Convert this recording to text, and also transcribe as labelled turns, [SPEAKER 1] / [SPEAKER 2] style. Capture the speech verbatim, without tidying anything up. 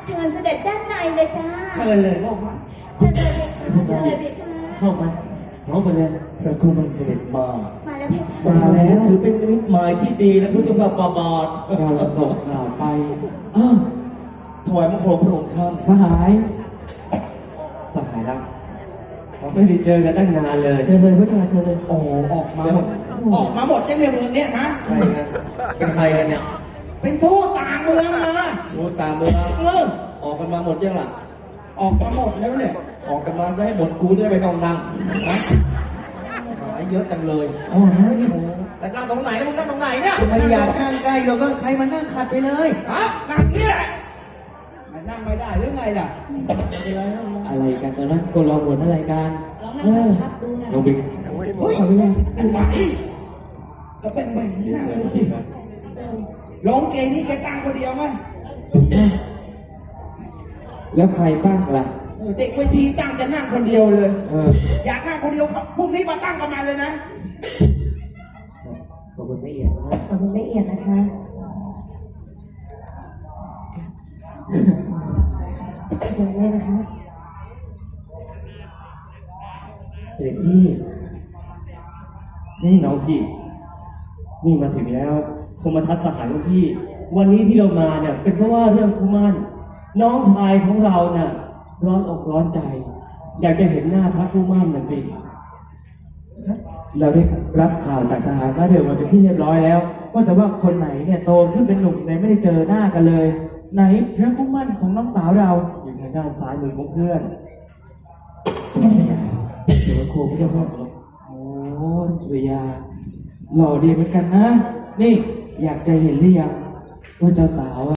[SPEAKER 1] เชิญเสด็จด้านในเลยจ้า
[SPEAKER 2] เชิญเลยพวกมัน
[SPEAKER 1] เชิญเลยเชิญเลยพี่ค่ะ
[SPEAKER 3] เข้ามาน้องไปเลย
[SPEAKER 4] พระกุมันเสด็จมา
[SPEAKER 1] มาแล้วพี่ค่ะ
[SPEAKER 3] มาแล้ว
[SPEAKER 4] ถือเป็นนิมิตหมายที่ดีนะพุทธคาฟาบาท
[SPEAKER 3] เราส่งข่าวไปอ้าว
[SPEAKER 4] ถวายมังคลพระองค์ท่าน
[SPEAKER 3] สหายสหายรักไม่ได้เจอกันตั้งนานเลย
[SPEAKER 4] เชิญเลยพระเจ้าเชิญเลย
[SPEAKER 2] โอ้ออกมาหมดออกมาหมดยังในเมืองเนี้ยฮะ
[SPEAKER 4] ใครกันเป็นใครกันเนี่ย
[SPEAKER 2] เป็นทูตต่างเมืองมา
[SPEAKER 4] ชูตามเมือง
[SPEAKER 2] เออ
[SPEAKER 4] ออกกันมาหมดยังล่ะ
[SPEAKER 2] ออกมาหมดแล้วเนี่ย
[SPEAKER 4] ออกกันมาจะให้หมดกูจะได้ไม่ต้องนั่งนะหายเยอะจังเลย
[SPEAKER 3] อ๋อนะนี่
[SPEAKER 4] แต่นั่งตรงไหนนะมึงนั่งตรงไหนเนี่ย
[SPEAKER 3] ไม่อยากนั่งใกล้เราก็ใครมานั่งขัดไปเลย
[SPEAKER 2] ฮะนั่งเนี่ยมันนั่งไม่ได้หรือไงล่ะ
[SPEAKER 3] อะไรกันตอนนั้นก็รอหมดอะไรกัน
[SPEAKER 1] ลองนั่งทับดูนะ
[SPEAKER 3] น้องบิ๊ก
[SPEAKER 2] เฮ้ยอันไหวก็เป็นแบบนี้นั่งดูสิร้องเกงนี่แกตั้งคนเดียวไหม
[SPEAKER 3] แล้วใครตั้งล่ะ
[SPEAKER 2] เออเด็กเวทีตั้งจะนั่งคนเดียวเลย
[SPEAKER 3] เออ
[SPEAKER 2] อยากนั่งคนเดียวครับพรุ่งนี้มาตั้งกันมาเลยนะ
[SPEAKER 3] ขอบคุณไม่เอียดนะ
[SPEAKER 1] ขอบคุณละเอียดนะคะเดี๋ยวเลยนะคะ
[SPEAKER 3] เด็กพี่นี่น้องพี่ นี่มาถึงแล้วคงมาทัศสหายของพี่ วันนี้ที่เรามาเนี่ยเป็นเพราะว่าเรื่องคุมันน้องชายของเราน่ะร้อนอกร้อนใจ อยากจะเห็นหน้าพระคุมันน่ะสิเราได้รับข่าวจากทหารมาเดี๋ยวมันเป็นที่เรียบร้อยแล้วว่าแต่ว่าคนไหนเนี่ยโตขึ้นเป็นหนุ่มไหนไม่ได้เจอหน้ากันเลย ไหนพระคุมันของน้องสาวเราอยู่ทางด้านซ้ายมือของเพื่อนเดี๋ยวโคไม่จะพูดโอ้สุริยาหล่อดีเหมือนกันนะ นี่อยากจะเห็นหรือยังว่าเจ้าสาว